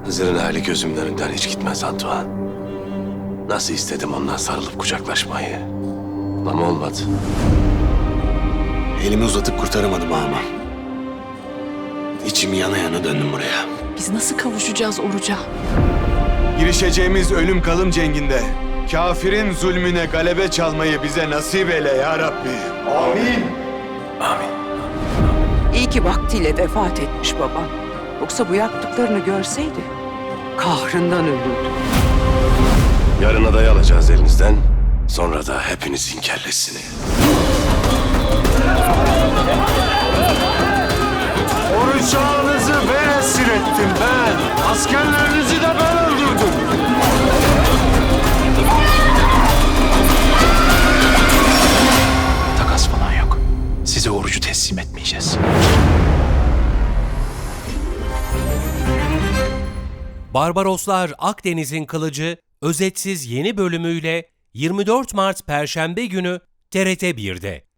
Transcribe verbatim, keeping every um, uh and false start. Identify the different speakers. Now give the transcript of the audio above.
Speaker 1: Hızır'ın hali gözümün önünden hiç gitmez Antoine. Nasıl istedim ondan sarılıp kucaklaşmayı. Ama olmadı.
Speaker 2: Elimi uzatıp kurtaramadım ama. İçim yana yana döndüm buraya.
Speaker 3: Biz nasıl kavuşacağız Oruç'a?
Speaker 4: Girişeceğimiz ölüm kalım cenginde kafirin zulmüne galebe çalmayı bize nasip eyle ya Rabbi. Amin.
Speaker 1: Amin.
Speaker 5: İyi ki vaktiyle vefat etmiş babam. Yoksa bu yaptıklarını görseydi kahrından ölürdü.
Speaker 1: Yarın adayı alacağız elinizden. Sonra da hepinizin kellesini.
Speaker 4: Oruç ağanızı ben esir ettim ben. Askerlerinizi de ben öldürdüm.
Speaker 6: Takas falan yok. Size orucu teslim etmeyeceğiz.
Speaker 7: Barbaroslar Akdeniz'in Kılıcı özetsiz yeni bölümüyle yirmi dört Mart Perşembe günü T R T bir'de.